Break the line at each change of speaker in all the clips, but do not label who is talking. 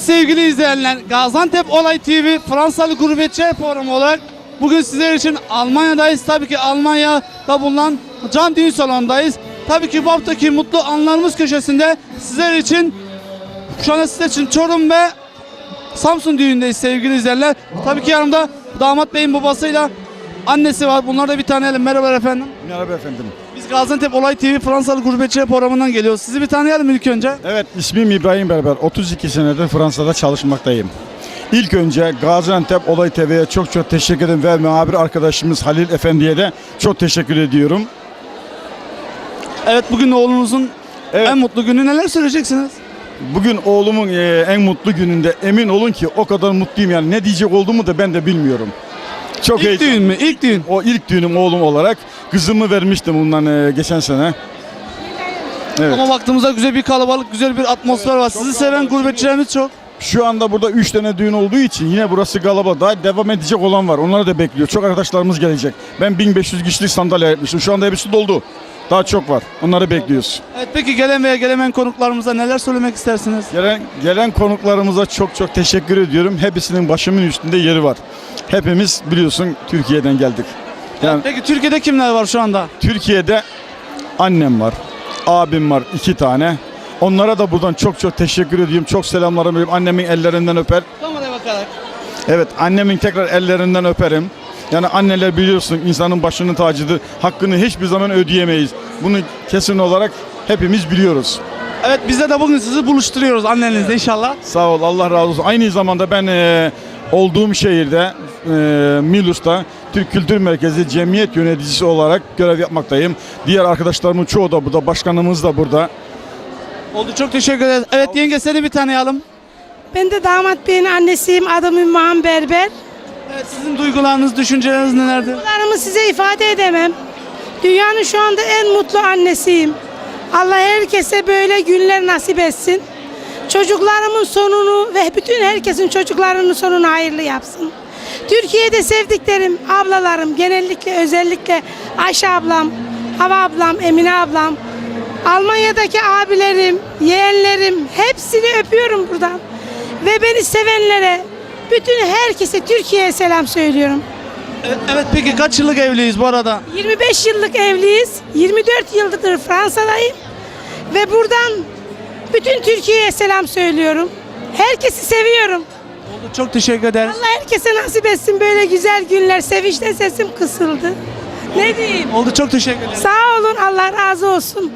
Evet sevgili izleyenler, Gaziantep Olay TV Fransalı Gurbetçiler Programı olarak bugün sizler için Almanya'dayız. Tabii ki Almanya'da bulunan Can Düğün Salonu'ndayız. Tabii ki bu haftaki mutlu anlarımız köşesinde sizler için, şu anda sizler için Çorum ve Samsun düğündeyiz sevgili izleyenler. Tabii ki yanımda damat beyin babasıyla annesi var. Bunları da bir tanıyalım. Merhabalar efendim.
Merhaba efendim.
Biz Gaziantep Olay TV Fransalı Gurbetçiler Programı'ndan geliyoruz. Sizi bir tanıyalım ilk önce.
Evet, ismim İbrahim Berber. 32 senedir Fransa'da çalışmaktayım. İlk önce Gaziantep Olay TV'ye çok teşekkür ederim ve muhabir arkadaşımız Halil Efendi'ye de çok teşekkür ediyorum.
Evet, bugün oğlunuzun en mutlu günü, neler söyleyeceksiniz?
Bugün oğlumun en mutlu gününde, emin olun ki o kadar mutluyum, yani ne diyecek olduğumu da ben de bilmiyorum. Çok
İlk düğün mü? İlk düğün.
O ilk düğünüm oğlum olarak. Kızımı vermiştim bundan geçen sene. Evet.
Ama baktığımızda güzel bir kalabalık, güzel bir atmosfer var. Sizi seven gurbetçilerimiz çok.
Şu anda burada 3 tane düğün olduğu için yine burası kalabalık. Daha devam edecek olan var. Onları da bekliyor. Çok arkadaşlarımız gelecek. Ben 1500 kişilik sandalye yapmıştım. Şu anda hepsi doldu. Daha çok var. Onları bekliyoruz.
Evet, peki gelen veya gelemeyen konuklarımıza neler söylemek istersiniz?
Gelen konuklarımıza çok teşekkür ediyorum. Hepsinin başımın üstünde yeri var. Hepimiz biliyorsun Türkiye'den geldik. Yani
Peki Türkiye'de kimler var şu anda?
Türkiye'de annem var, abim var 2 tane. Onlara da buradan çok teşekkür ediyorum. Çok selamlarımı veriyorum. Annemin ellerinden öper.
Kameraya bakarak.
Evet, annemin tekrar ellerinden öperim. Yani anneler biliyorsun insanın başının tacıdır. Hakkını hiçbir zaman ödeyemeyiz. Bunu kesin olarak hepimiz biliyoruz.
Evet, biz de bugün sizi buluşturuyoruz annenizle inşallah.
Sağ ol, Allah razı olsun. Aynı zamanda ben olduğum şehirde Milus'ta Türk Kültür Merkezi Cemiyet Yöneticisi olarak görev yapmaktayım. Diğer arkadaşlarımın çoğu da burada, başkanımız da burada.
Oldu, çok teşekkür ederiz. Evet yenge, seni bir tanıyalım.
Ben de damat beyin annesiyim. Adım Ümmühan Berber.
Evet, sizin duygularınız, düşünceleriniz nelerdir?
Duygularımı size ifade edemem. Dünyanın şu anda en mutlu annesiyim. Allah herkese böyle günler nasip etsin. Çocuklarımın sonunu ve bütün herkesin çocuklarının sonunu hayırlı yapsın. Türkiye'de sevdiklerim, ablalarım, genellikle özellikle Ayşe ablam, Hava ablam, Emine ablam, Almanya'daki abilerim, yeğenlerim, hepsini öpüyorum buradan. Ve beni sevenlere, bütün herkese Türkiye'ye selam söylüyorum.
Evet, peki kaç yıllık evliyiz bu arada?
25 yıllık evliyiz. 24 yıldır Fransa'dayım. Ve buradan bütün Türkiye'ye selam söylüyorum. Herkesi seviyorum.
Oldu, çok teşekkür ederiz.
Allah herkese nasip etsin böyle güzel günler. Sevinçten sesim kısıldı. Ne diyeyim?
Oldu, çok teşekkür ederiz.
Sağ olun, Allah razı olsun.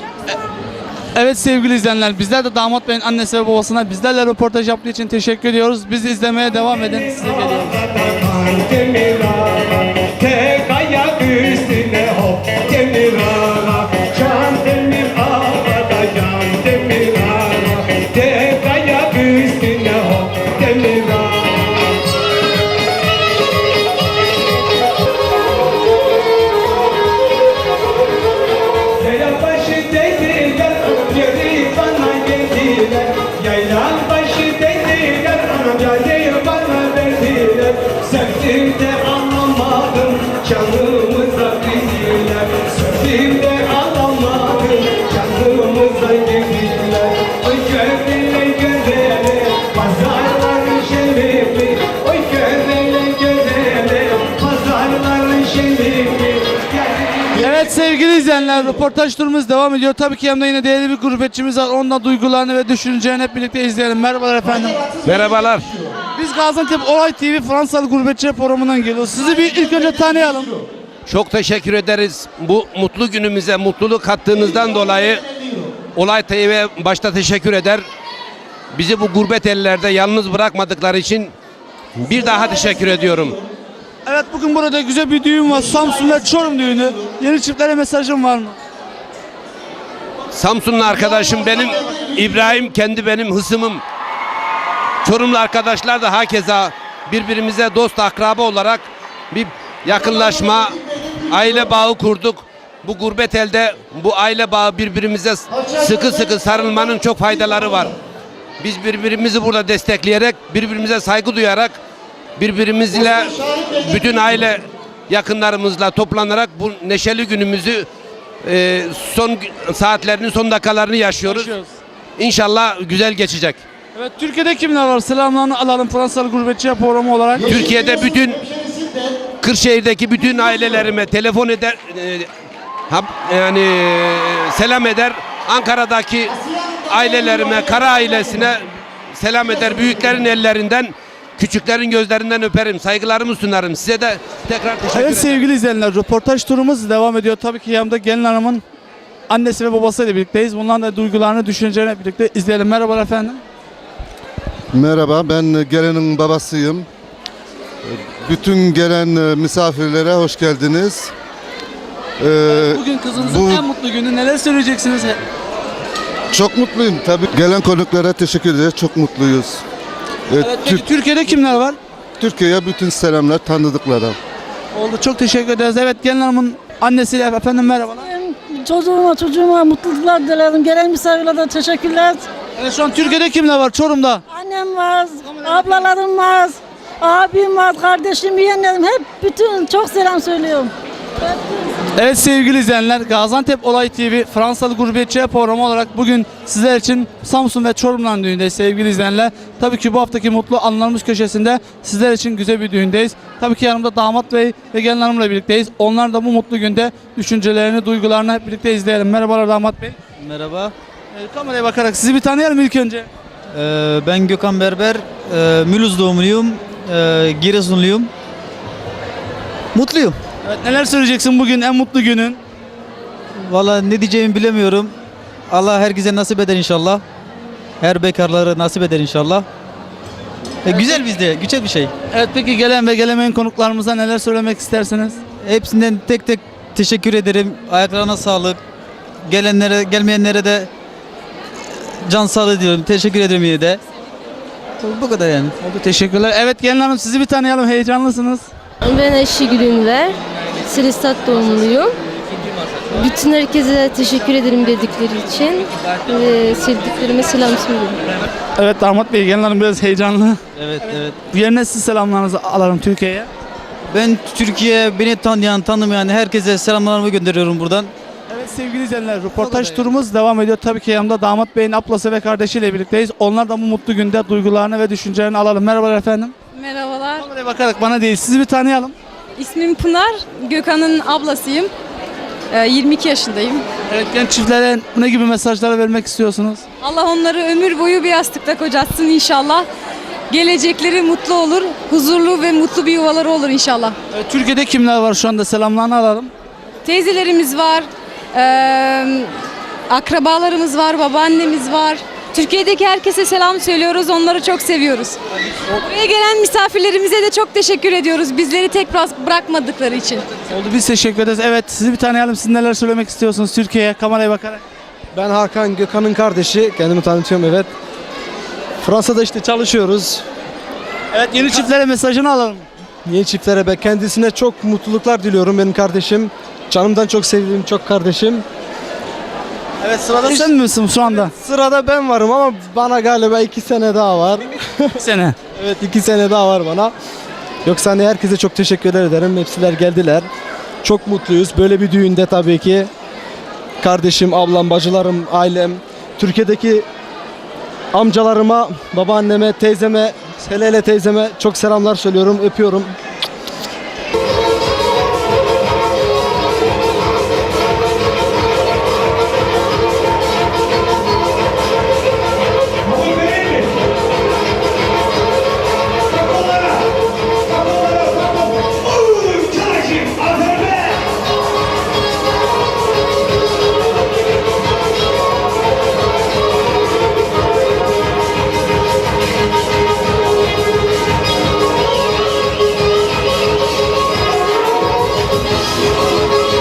Evet sevgili izleyenler, bizler de damat beyin annesi ve babasına bizlerle röportaj yaptığı için teşekkür ediyoruz. Bizi izlemeye devam edin. Size geliyoruz.
Tek ayak üstüne hop demir ağa, can demir ağada can demir ağa. Tek ayak üstüne hop demir ağa. Yaylan başı dediler, geri bana geldiler. Yaylan başı dediler, geri bana verdiler. Sevdim de anlamadım, canımıza girdiler. Sevdim de anlamadım, canımıza girdiler. Oy gördüler gözleri, pazarların şerifi. Oy gördüler gözleri, pazarların şerifi.
Evet sevgili izleyenler, röportaj turumuz devam ediyor. Tabii ki yanımda yine değerli bir gurbetçimiz var. Onunla duygularını ve düşüncelerini hep birlikte izleyelim. Merhabalar efendim.
Merhabalar.
Biz Gaziantep Olay TV Fransalı Gurbetçiler Programı'ndan geliyoruz. Sizi bir ilk önce tanıyalım.
Çok teşekkür ederiz. Bu mutlu günümüze mutluluk kattığınızdan dolayı Olay TV'ye başta teşekkür eder. Bizi bu gurbet ellerde yalnız bırakmadıkları için bir daha teşekkür ediyorum.
Evet, bugün burada güzel bir düğün var. Samsun ve Çorum düğünü. Yeni çiftlere mesajım var mı?
Samsunlu arkadaşım benim, İbrahim kendi benim hısımım. Çorumlu arkadaşlar da hakeza birbirimize dost akraba olarak bir yakınlaşma, aile bağı kurduk. Bu gurbet elde bu aile bağı birbirimize sıkı sarılmanın çok faydaları var. Biz birbirimizi burada destekleyerek, birbirimize saygı duyarak, birbirimizle bütün aile yakınlarımızla toplanarak bu neşeli günümüzü son saatlerinin son dakikalarını yaşıyoruz. İnşallah güzel geçecek.
Evet, Türkiye'de kimler var? Selamlarını alalım Fransalı Gurbetçiler Programı olarak.
Türkiye'de bütün Kırşehir'deki bütün ailelerime telefon eder, selam eder. Ankara'daki ailelerime, Kara ailesine selam eder. Büyüklerin ellerinden, küçüklerin gözlerinden öperim. Saygılarımı sunarım. Size de tekrar teşekkür ederim.
Evet sevgili izleyenler, röportaj turumuz devam ediyor. Tabii ki yanımda gelin hanımın annesi ve babasıyla birlikteyiz. Bunların da duygularını, düşüncelerini birlikte izleyelim. Merhabalar efendim.
Merhaba, ben gelinin babasıyım. Bütün gelen misafirlere hoş geldiniz.
Bugün kızınızın en mutlu günü, neler söyleyeceksiniz?
Çok mutluyum tabii. Gelen konuklara teşekkür ederiz, çok mutluyuz.
Evet, peki Türkiye'de kimler var?
Türkiye'ye bütün selamlar tanıdıklara.
Oldu, çok teşekkür ederiz. Evet, gelin hanımın annesiyle efendim merhabalar.
Çocuğuma mutluluklar dilerim. Gelen misafirlere teşekkürler.
Evet, şu an Türkiye'de kimler var? Çorum'da.
Annem var, ablalarım var, abim var, kardeşim, yeğenlerim. Hep bütün çok selam söylüyorum.
Evet sevgili izleyenler, Gaziantep Olay TV Fransalı Gurbetçiler Programı olarak bugün sizler için Samsun ve Çorum'dan düğündeyiz sevgili izleyenler. Tabii ki bu haftaki mutlu anılarımız köşesinde sizler için güzel bir düğündeyiz. Tabii ki yanımda damat bey ve gelin hanımla birlikteyiz. Onlar da bu mutlu günde düşüncelerini, duygularını hep birlikte izleyelim. Merhabalar damat bey.
Merhaba,
Kameraya bakarak sizi bir tanıyalım ilk önce.
ben Gökhan Berber, Mülüz doğumluyum, Giresunluyum. Mutluyum.
Evet, neler söyleyeceksin bugün en mutlu günün?
Valla ne diyeceğimi bilemiyorum. Allah herkese nasip eder inşallah. Her bekarları nasip eder inşallah. Güzel bizde, güzel bir şey.
Evet, peki gelen ve gelemeyen konuklarımıza neler söylemek istersiniz?
Hepsinden tek tek teşekkür ederim. Ayaklarına sağlık. Gelenlere, gelmeyenlere de can sağlığı diliyorum. Teşekkür ederim yine de. Bu kadar yani.
Oldu, teşekkürler. Evet gelin hanım, sizi bir tanıyalım, heyecanlısınız.
Ben Ayşegül Ünver, Silistat doğumluyum. Bütün herkese teşekkür ederim dedikleri için. Sevdiklerime selam söylüyorum.
Evet damat bey, gelin hanım biraz heyecanlı.
Evet, evet.
Yerine siz selamlarınızı alalım Türkiye'ye.
Ben Türkiye, beni tanıyan, tanımayan herkese selamlarımı gönderiyorum buradan.
Evet sevgili izleyenler, röportaj turumuz devam ediyor. Tabii ki yanımda damat beyin ablası ve kardeşiyle birlikteyiz. Onlar da bu mutlu günde duygularını ve düşüncelerini alalım. Merhabalar efendim.
Merhabalar.
Kameraya bakarak bana değil, sizi bir tanıyalım.
İsmim Pınar. Gökhan'ın ablasıyım. 22 yaşındayım.
Evet, genç çiftlere ne gibi mesajlar vermek istiyorsunuz?
Allah onları ömür boyu bir yastıkta kocatsın inşallah. Gelecekleri mutlu olur. Huzurlu ve mutlu bir yuvaları olur inşallah.
Evet, Türkiye'de kimler var şu anda, selamlarını alalım.
Teyzelerimiz var. Akrabalarımız var. Babaannemiz var. Türkiye'deki herkese selam söylüyoruz. Onları çok seviyoruz. Buraya gelen misafirlerimize de çok teşekkür ediyoruz. Bizleri tek bırakmadıkları için.
Oldu, biz teşekkür ederiz. Evet, sizi bir tanıyalım. Siz neler söylemek istiyorsunuz Türkiye'ye, kameraya bakarak?
Ben Hakan, Gökhan'ın kardeşi. Kendimi tanıtıyorum, evet. Fransa'da işte çalışıyoruz.
Evet, yeni çiftlere mesajını alalım.
Yeni çiftlere ben kendisine çok mutluluklar diliyorum, benim kardeşim. Canımdan çok sevdiğim çok kardeşim.
Evet, sırada sen misin şu anda?
Sırada ben varım ama bana galiba 2 sene daha var.
Bir sene.
Evet, 2 sene daha var bana. Yoksa hani herkese çok teşekkür ederim. Hepsiler geldiler. Çok mutluyuz. Böyle bir düğünde tabii ki kardeşim, ablam, bacılarım, ailem, Türkiye'deki amcalarıma, babaanneme, teyzeme, hele teyzeme çok selamlar söylüyorum, öpüyorum.